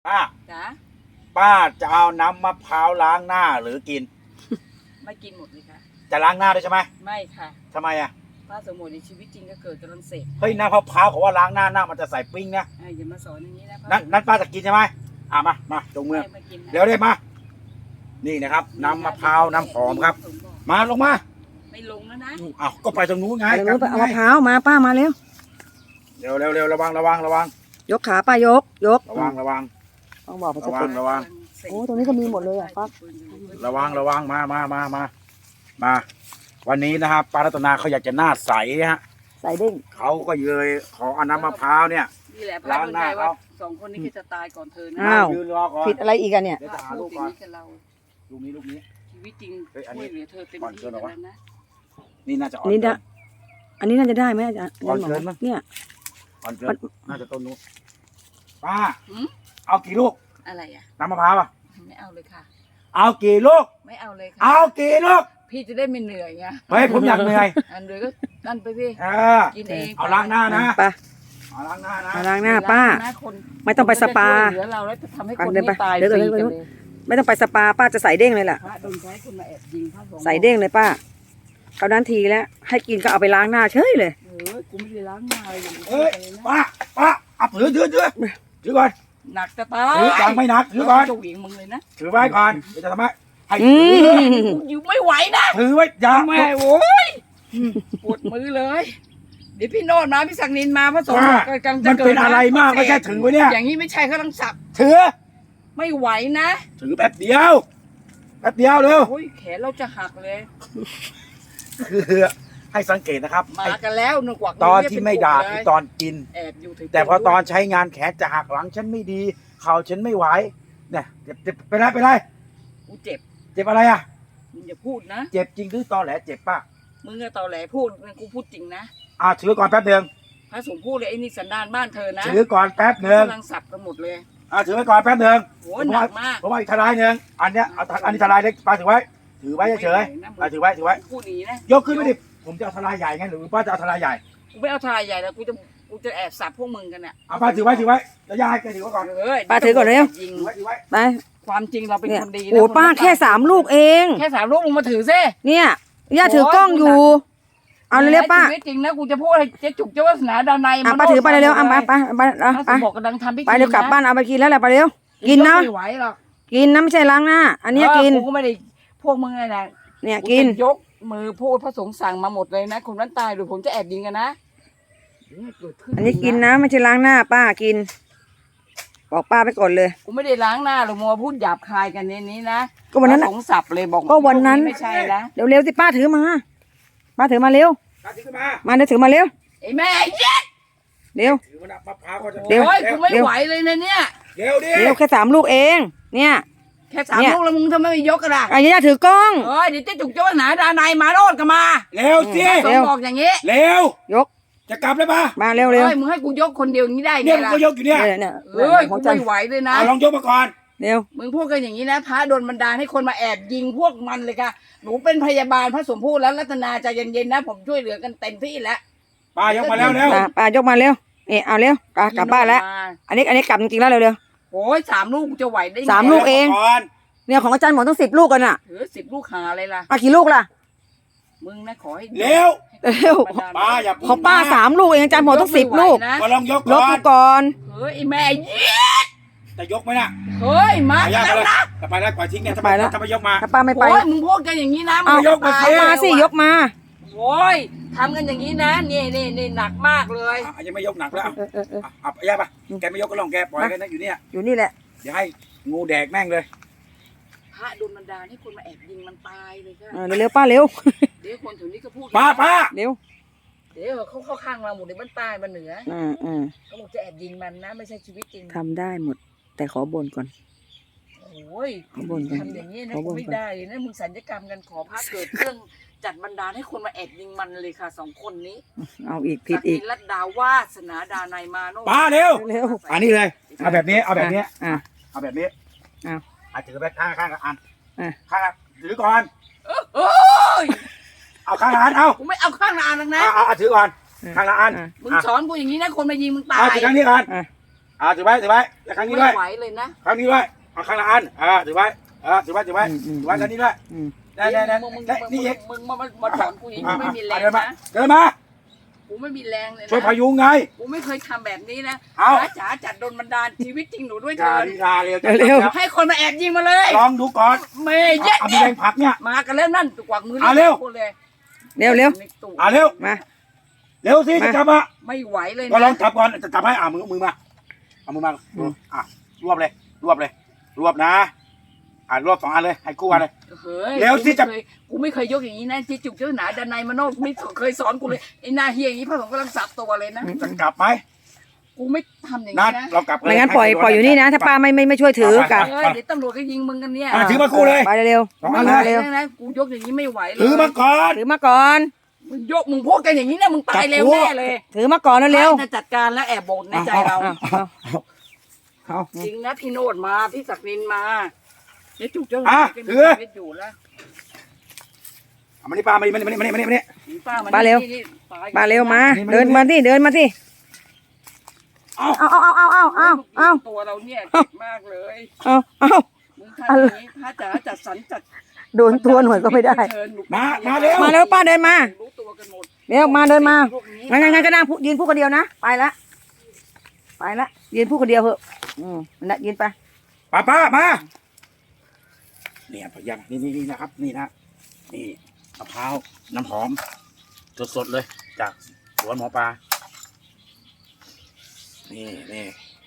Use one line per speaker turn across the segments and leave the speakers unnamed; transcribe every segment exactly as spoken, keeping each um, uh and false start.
ป้า
จ๋า
ป้าจะเอาน้ำมะพร้าวล้างหน้าหรือกิน
ไม่กินหมดเลยค่ะ จะ
ล้างหน้าด้วยใช่ไหม
ไม่ค่ะ
ทำไมอ่ะ
ป้าสมมติในชีวิตจริงก็เกิดกำลังเสก
เฮ้ยน้ำมะพร้าวเขาว่าล้างหน้าหน้ามันจะใส่ปิ้งนะ
อย่ามาสอนอย่างนี้นะ
นั่นนั่นป้าจะกินใช่ไหมอ่ะมามาตรงมือเดี๋ยวได้มานี่นะครับน้ำมะพร้าวน้ำหอมครับมาลงมา
ไม่ลงแล้วนะ
อ้าวก็ไปตรงนู้นไง
ไปนู้นไปเอามะพร้าวมาป้ามาเร็ว
เร็วเร็วเร็วระวังระวังระวัง
ยกขาป้ายกยก
ระวังระวัง
ต้องบอก
ระวังระวัง
โอ้ตรงนี้ก็มีหมดเลยอ่ะป้า
ระวังระวังมามามามามาวันนี้นะครับป้ารัตนาเขาอยากจะหน้าใสฮะ
ใสเด้ง
เขาก็เลยขอเอาน้ำมะพร้าวเนี่ย
นี่แหละล้างหน้าเขาสองคนนี้จะตายก่อนเธอนะ
อ้าวผิดอะไรอีกอะเนี่ย
เดี๋ยวจะหาลูกก่อนลูกนี้ลูกนี้
ชีวิตจริงช่วยเหลือเธอเต็มที่แล้วนะ
นี่น่าจะอ่อน
นี่นะอันนี้น่าจะได้ไหมอาจารย์
อ่อนเกินมั้ง
เนี่ย
อ่อนเกินน่าจะต้นนู้นป้าเอากี่ลูก
อะไรอ่ะ
น้ำมะพร้าวอ่ะ
ไม่เอาเลยค่ะ
เอากี่ลูก
ไม่เอาเลยค่ะ
เอากี่ลูก
พี่จะได้ไม่เหนื่อยไง
เฮ้ยผมอยากเหนื่อย
อันเดียวก็นั่นไปพี่
กินเองเอาล้างหน้านะ
ป้า
เอาล้างหน้านะ
ล้างหน้าป้าไม่ต้องไปสปา
เหลือเราแล้วจะทำให้คนไม่ตายฟรีกันเลย
ไม่ต้องไปสปาป้าจะใส่เด้งเลยล่ะใส่เด้งเลยป้าเขานั้นทีแล้วให้กินก็เอาไปล้างหน้าเฉยเลย
เออกูไม่ได้ล้างหน้าเลย
เฮ้ยป้าป้าเอาถือถือถือถือก่อน
หนักจะตาย
ถือยังไม่หนักถือก่อน
จะเหวี่ยงมึงเลยนะ
ถือไว้ก่อนเดี๋ยวจะทำไมให้
อยู่ไม่ไหวนะ
ถือไว้ยัง
ไม่โว้ยปวดมือเลยเดี๋ยวพี่โนดมาพี่ศักดินมาพระสงฆ์กำลังจะ
เกิดมันเป็นอะไรมากไม่ใช่ถือไว้เนี่ย
อย่างนี้ไม่ใช่เขาต้องสับ
ถือ
ไม่ไหวนะ
ถือแป๊บเดียวแป๊บเดียวเร็ว
โอ้ยแขนเราจะหักเลย
คือให้สังเกตนะครับ
มากันแล้วนึกว่า
ตอนที่ไม่ด่าคือตอนกินแต่พอตอนใช้งานแขนจะหักหลังฉันไม่ดีเข่าฉันไม่ไหวเนี่ยเจ็บเจ็บไปไรไปไร
กูเจ็บ
เจ็บอะไรอ่ะ
มึงอย่าพูดนะ
เจ็บจริงหรือตอแหลเจ็บป่ะ
มึงอะตอแหลพูดกูพูดจริงนะ
อ่าถือก่อนแป๊บเดียว
พระสงฆ์พูดเลยไอ้นี่สันดานบ้านเธอนะ
ถือก่อนแป๊บเดียว
กำลังสับกันหมดเลย
อ่าถือไว้ก่อนแป๊บเดียว
โหหนักมาก
ผมว่าอีกทลายหนึ่งอันเนี้ยเอาอันนี้ทลายเล็กป้าถือไว้ถือไว้เฉยๆถือไว้ถือไว้
พูดดีนะ
ยกขึ้นไม่ดิผมจะเอาทลายใหญ่ไงหรือป้าจะเอาทลายใหญ่
กูไม่เอาทลายใหญ่แล้วกูจะกูจะแอบสับพวกมึงกันเนี่ย
เอาป้าถือไว้ถือไว้แล้วยายแกถือไว้ก่อน
ป้าถือก่อนเร็ว
ไปความจริงเราเป็นคนดีนะ
โอ้ป้าแค่สามลูกเอง
แค่สามลูกมึงมาถือซิ
เนี่ยย่าถือกล้องอยู่เอาเร็วป้า
จริงนะกูจะพูดให้เจ๊จุกเจ้าวาสนาดานใน
มาป้าถือไปเร็วเอาไปไปไป
ไปบอกกำลังทำพิธี
ไปเร็วกลับบ้านเอาไปกินแล้วแหละไปเร็วกินนะ
ไม่ไหวหรอก
กินนะไม่ใช่ล้างหน้าอันนี้กิน
กูก็ไม่ได้พวกมึงไงนะ
เนี่ยกิน
ยกมือพูดพระสงฆ์สั่งมาหมดเลยนะคนนั้นตายหรือผมจะแอบยิงกันนะ
อันนี้กินนะไม่ใช่ล้างหน้าป้ากินบอกป้าไปก่อนเลย
กูไม่ได้ล้างหน้าหรอกมัวพูดหยาบคายกันในนี้นะ
ก็วันนั้น
สงสับเลยบอก
ก็วันนั้น
ไม่ใช่นะ
เร็วๆสิป้าถือมาป้าถือมาเร็วมาเดี๋ยวถือมาเร็ว
ไอ้แม่เย็ด
เร็ว
เร็วกูไม่ไหวเลยนะเนี่ย
เร็วดิ
เร็วแค่สามลูกเองเนี่ย
แค่สามลูกแล้วมึงทำไมไม่ยกกันล่ะ
ไอ้ย่าถือกล้อง
เออเดี๋ยวเจ๊จุกเจ้าหนาดานายมาโรดกันมา
เร็วสิ
เร็วบอกอย่างงี้
เร็วย
ก
จะกลับเลยป่ะ
มาเร็วเร็ว
มึงให้กูยกคนเดียวนี้ได้ไง
ล่ะเนี่ยกูยกอยู่เนี่ย
เอ้ยกูไม่ไหวเลยนะ
ลองยกมาก่อน
เร็ว
มึงพูดกันอย่างนี้นะพระโดนบันดาลให้คนมาแอบยิงพวกมันเลยค่ะหนูเป็นพยาบาลพระสมพูดแล้วรัตนาใจเย็นๆนะผมช่วยเหลือกันเต็มที่แล้ว
ป้ายกมาแล้วเร็ว
ป้ายกมาเร็วนี่เอาเร็วกลับบ้านแล้วอันนี้อันนี้กลับจริงๆแล้วเร็ว
ๆโอ้ยสามลูกจะไหวได้ไง
สามลูกเองเนี่ยของอาจารย์หมอต้องสิบลูกกันอ่ะ
เออสิบลูกหาอะไรล่ะ
อ่ะกี่ลูกล่ะ
มึงนะขอให้
เร็ว
เร็ว
ป้าอย่า
ของป้าสามลูกเองอาจารย์หมอต้องสิบลูก
ก็ลองยก
ลบก่อน
เฮ้ยแม่เย็ด
จะยกไหมน่ะ
เฮ้ยมาแล้วนะ
จะไปแล้วปล่อยทิ้งเนี่ยจะไปแล้วจะไปยกมา
ถ้าป้าไม่ไป
โอ้ยมึงพูดกันอย่างนี้นะ
มึงยกมา
สิมาสิยกมา
โอ้ยทำกันอย่างนี้นะนี่นี่นี่หนักมากเลย
ยังไม่ยกหนักแล้วอ่ะย่าป่ะแกไม่ยกก็ลองแกปล่อยกันนะอยู่เนี่ย
อยู่นี่แหละ
เดี๋ยวให้งูแดกแม่งเลย
พระโดนบันดาลให้คนมาแอบยิงมันตายเลยค่ะ
เร็วป้าเร็ว
เดี๋ยวคนถึงนี้ก็พูด
ป้าป้า
เร็ว
เดี๋ยวเขาเข้าข้างเราหมดเลยมันตายมันเหนือ
อืมอืม
เขาบอกจะแอบยิงมันนะไม่ใช่ชีวิตจริง
ทำได้หมดแต่ขอบ่นก่อน
โอ้ยทำอย่างนี้นะไม่ได้เลยนะมึงสัญญกรรมกันขอพระเกิดเรื่องจัดบันดาลให้คนมาแอบยิงมันเลยค่ะสองคนนี้
เอาอีกผิดอีก
รัตดาวาสนาดานายมาโน
ป้าเร็ว
เร็ว
อันนี้เลยเอาแบบนี้เอาแบบนี้เอาแบบนี้
เอา
เอาถือไปข้างข้างกับอันข้างถือก่อน
โอ้ย
เอาข้างละอันเอา
กูไม่เอาข้างละอันหรอกนะ
เอาเอาถือก่อนข้างละอัน
มึงสอนกูอย่างนี้นะคนมายิงมึงตาย
เอาถือข้างนี้ก่อนอ่าถือไว้ถือไว้แล้วครั้งนี้ด้วย
ไม่ไหวเลยนะ
ครั้งนี้ด้วยเอาครั้งละอันอ่าถือไว้อ่าถือไว้ถือไว้ถือไว้ครั้งนี้ด้วยได้ได้ได้
มึงมึง
ได้นี่อีก
มึงมามาสอนกูอย่างนี้กูไม่มีแรง
เดินมา
นะ
เดินมา
กูไม่มีแรงเลยนะ
ช่วยพยุงไง
กูไม่เคยทำแบบนี้นะ
เอา
จ๋าจ๋าจัดโดนบันดาลชีวิตจริงหนูด้วย
อ
เถิ
ย่า
ด
ดีลาเร็ว
เร็ว
ให้คนมาแอบยิงมาเลย
ลองดูก่อน
เมย์เยอะ
เอามี
แยะ
แรงผลักเนี่ย
มากันแล้วนั่นกวักมือ
เอาเร็ว
กูเลย
เร็วเร็ว
ในตู้
อ่าเร็ว
มา
เร็วสิจะจับอ่ะ
ไม่ไหวเลย
ก็ลอ
นะ
งจับก่อนจะจับให้อ่ามือมือมาเอามือมาอ่ะรวบเลยรวบเลย รวบนะอ่ารวบสองอันเลยให้คู่กันเลย
เฮ้ย
เร็วสิจะ
กูไม่เคยกูไม่เคยยกอย่างนี้นะที่จุกเจ้าหนาดันในมโนไม่เคยสอนกูเลยไอ้หน้าเฮียอย่างนี้พระสงฆ์กำลังสับตัวเลยนะ
จะกลับไหม
กูไม่ทำอย่าง
นั
นี้
ด
นะ
เรากลับ
ไม่งั้นปล่อยปล่อยอยู่นี่นะ ถ้าป้าไม่ไม่ไม่ช่วยถือกลับ
เฮ้ยเดี๋ยวตำรวจก็ยิงมึงกันเนี่ย
อ่ะถือมาคู่เลย
ไปเร็ว
สองอัน
ไม่
เล
ไหวย
เร็ว
นะกูยกอย่างนี้ไม่ไหวเลย
ถือมาก่อน
ถือมาก่อน
มึงยกมึงพูดกันอย่างนี้นะมึงตายเร็วแน่เลย
ถือมาก่อนเร็ว
จะจัดการแล้วแอบบ่นในใจเรา
เอาเอา
เอา
จริงนะพี่โนดมาพี่ศักดินมาเดี๋ยวจุกเจ้าห
อ่ะ
นาก็มี
ถือ
ชีวิตอยู่แล้ว
เอามานี่ป้ามานี่มานี่มานี่มานี่มานี่
ป้ามัน
ป้าเร็ว
นี่นี่ตย
มาเร็วมา
นี่มา
เดินมาที่เดินมาที่
เอา
เอาเอาเอาเอาเอาเอาเอา
ตัวเราเนี่ยเจ็บมากเลย
เอาเอา
มึงทำอย่างนี้พระจ๋าจัดสรรจัด
โดนตัวหน่อยก็ไม่ได้
เชิญหนู
มามาเร็ว
มาเร็วป้าเดินมา
รู้ตัวกันหมด
เร็วมาเดินมา
พวกนี้
งั้นงั้นงั้นก็นั่งพูดยืนพูดคนเดียวนะ ไปละ ไปละ ยืนพูดคนเดียวเหอะอืมนั่นแหละยืนไป
ป้าป้ามาเนี่ยพยังนี่นี่นี่นะครับ นี่นะนี่มะพร้าวน้ำหอมสดๆเลย จากสวนหมอปลานี่นี่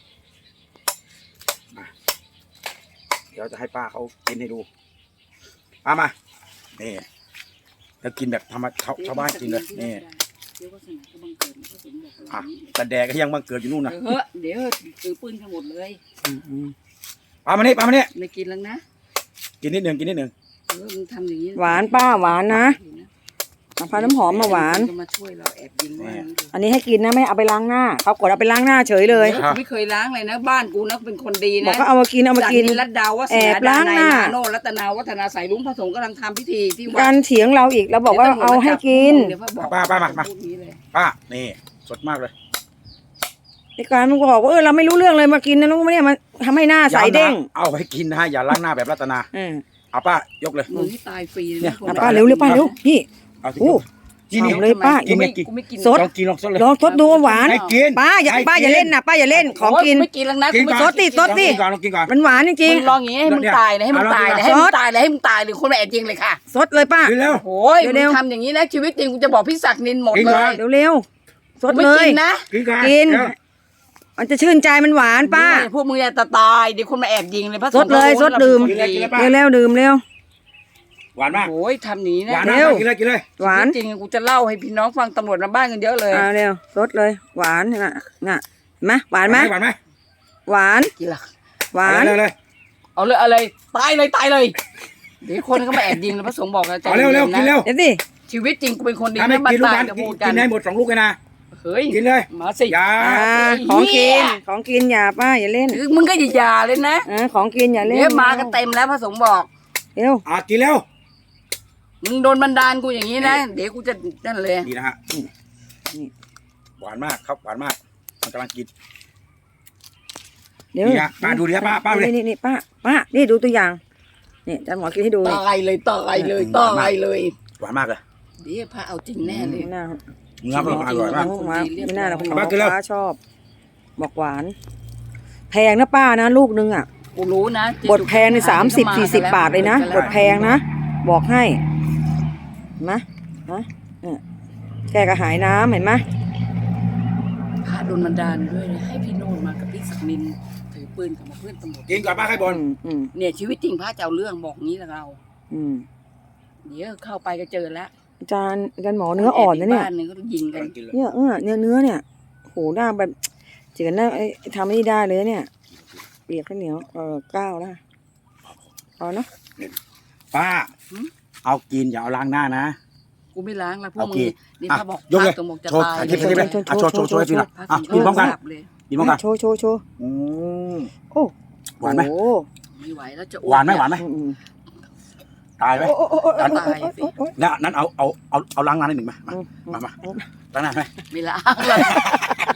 มาเดี๋ยวจะให้ป้าเขากินให้ดูป้ามานี่แล้วกินแบบธรรมชาวชาวบ้านกินเลยนี่
เดี๋ยวก็สนก็บังเกิดก็สมบอก
อ่ะแต่แดกก็ยังบังเกิดอยู่นู่นนะ
เฮ้ยเดี๋ยวซื้อปืนกันหมดเลย
ป้ามานี่ป้ามานี่
ไม่กินแล้วนะ
กินนิดหนึ่งกินนิดหนึ่ง
เออมึงทำอย่างนี้
หวานป้าหวานนะ มะพร้าวน้ำหอมมาหวาน
จะมาช่วยเราแอบยิงว่าอย่างนี้เลย
อันนี้ให้กินนะไม่เอาไปล้างหน้า เขากดเอาไปล้างหน้าเฉยเลย
กูไม่เคยล้างเลยนะ บ้านกูนะเป็นคนดี
บอก
นะ
ก็เอามากินเอามากิน
จากรัตดาววัฒ
แอบ
นา
ล้างหน้า
โนรัตนาวัฒนาสายลุงพระสงฆ์กำลังทำพิธีที่วั
กา
ด
รเถียงเราอีกเราบอกว่าเอาให้กิน
เดี๋ยวพ่อบอก
ป้าป้ามามา
พูดนี้เลย
ป้านี่สดมากเลย
ในการมันก็บอกว่าเออเราไม่รู้เรื่องเลยมากินนะลูกไม่เนี่ยมันทำให้หน้าใสเด้ง
ย้ำนะเอาไปกินนะอย่าล้างหน้าแบบรัตนา
อืม
เอาป้ายกเลย
มึงที่ตายฟรีเลย
เนี่ย
นะ
อ่ะป้าเร็วเร็วป้าเร็วพี่
เอาสิ
โอ้
นี่นี่
เอาเลยป้า
กูไม่กูไม่กิน
สด
ลองกินลองสดเลย
ลองทดดูว่าหวาน
ให้กิน
ป้าอย่า
ให้
ป้าอย่า
กิน
เล่นนะป้าอย่าเล่นของกิน
โยไม่กินแล้วนะ
กิน
กูไม่
ก่อน
สดดิสดดิ
ลองกินก่อนลองกินก่อน
มันหวานจริง
มึงลองอย่างนี้ให้มึง
เนี่ย
ตายเลยให้มึง
เอา
ตายเลย
ลอง
ให้
กิน
มึ
ก่อน
งตายเลยให้มึงตายเลยคนมาแอบยิงเลยค่ะ
ๆสดเลยป้า
กินแล้ว
โอ้ยมึ
เร็
ง
วๆ
ทำอย่างนี้นะชีวิตจริงกูจะบอกพี่ศักดิ์นินหมด
กิน
เล
ก่อน
ย
เร็วเร็วๆสด
กูไม่
เลย
กินนะ
กินก่อน
กิน
เร็ว
มันจะชื่นใจมันหวานป้า
พวกมึงจะตายเดี๋ยวคนมาแอบยิงเลยพระ
สดเลยสดดื่ม
กินเลย
เร็วเร็วๆดื่มเร็ว
หวานมาก
โอ้ยทำหนี
ห
นะ
วาน
เร็
มาก
ว
กินเลยกินเลย
หวาน
จริงๆกูจะเล่าให้พี่น้องฟังตำรวจมาบ้านกันเยอะเลย
อ่าเร็วสดเลย หวานน่ะน่ะเห็นไหมหวานไหม
หวานไหม
หวาน
กินละ
หวาน
เร็วเลย
เอาเลยเอาเลยตายเลยตายเลยเดี๋ยวคนก็มาแอบยิงแล้วพระสงฆ์บอกนะใจ
เอาเร็วเร็วกินเร็ว
เดี๋ยวสิ
ชีวิตจริงกูเป็นคนดี
ถ้าไม่
นะบ้า
กิ
น
นลูก
ตาย
นั้น
จะ
กิน
พูดกั
กิ
น
นได้หมดสองลูกเลยนะ
เฮ้ย
กินเลย
มาสิ
อย่า
อ่าของกินของกินอย่าป้าอย่าเล่น
คือมึงก็อย่าๆเลยนะ
อ่าของกินอย่าเล่น
เดี๋ยวมากันเต็มแล้วพระสงฆ์บอก
เร็ว
อ่ะกินเร็ว
มึงโดนบันดาลกูอย่างนี้นะ เดี๋ยวกูจะนั่นเลย
ดีนะฮะหวานมากครับหวานมากมันกำลังกิน
เดี๋ยว
นี่นะป้าดูดิป้าป้าดูดิ
นี่นี่ป้าป้านี่ดูตัวอย่างนี่อาจารย์หมอกินให้ดูนี่
ตายเลยตายเลยตายเลย
หวานมากเลย
เดี๋ยวพระเอาจริงแน่เลย
ไม่น่า
เนื้อมันอร่อยมาก
ไม่น่าหรอกคุณหม
ป้า
อ
กินเร็ว
ฟ้าชอบ บอกหวาน แพงนะป้านะลูกนึงอ่ะ
กูรู้นะ
บทแพงในสามสิบสี่สิบบาทเลยนะบทแพงนะบอกให้เห็นไหมนะเนี่ยแก้กระหายน้ำเห็นไหม
พระโดนบันดาลด้วยนะให้พี่โนนมากับพี่ศักดินถือปืนกับมาเพื่อนตำรวจ
กินก่อนป้าให้บอ
อื
ล
มอืม
เนี่ยชีวิตจริงพระจะเอาเรื่องบอกงี้แหละเรา
อืม
เดี๋ยวเข้าไปก็เจอแล้ว
อาจารย์อาจารย์หมอเนื้ออ่อนนะเนี่ย
บ้านหนึงก็ยิงกัน
กินเลย
เนี่ยเออเนื้อเนื้อเนี่ยโหหน้าแบบเจือนหน้าไอ้ทำไม่ได้เลยเนี่ยเปียกข้าวเหนียวเออก้าวแล้วเอาเนาะ
ป้าเอากินอย่าเอาล้างหน้านะ
กูไม่ล้างแล้วพวก
โอ
มึ
เค
งนี่พระบอก
ยกเลย
พระตรงบอกจะ
โชว์
ตาย
ถ่ายคลิปถ่ายคลิปเลยอ่ะโชว์โชว์โชว์ให้พี่หน่อย
พระ
อ่ะ
สงฆ์
กินพร้อมกัน
จับเลย
กินพร้อมกัน
โชว์โชว์โชว์
อืม
โอ้
หวานไหม
โอ้
ไม่ไหวแล้วจะ
หวานไหมหวานไหม
อืมอืม
ตายไหม
โอ้โอ้โอ้โอ้
ตายสิ
แล้วนั้นเอาเอาเอาเอาล้างหน้านิดหนึ่งมามา
อืม
มามาล้างหน้าไหม
ไม่ล้างเลย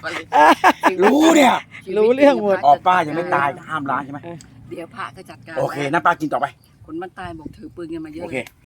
มาเลย
รู้เนี่ย
รู้เรื่องหมด
ออกป้ายังไม่ตายห้ามร้านใช่ไหม
เดี๋ยวพระก็จัดการ
โอเคน้าป้ากินต่อไป
คนมันตายบอกถือปืนกันมาเยอะ
โอ
เล
เค
ย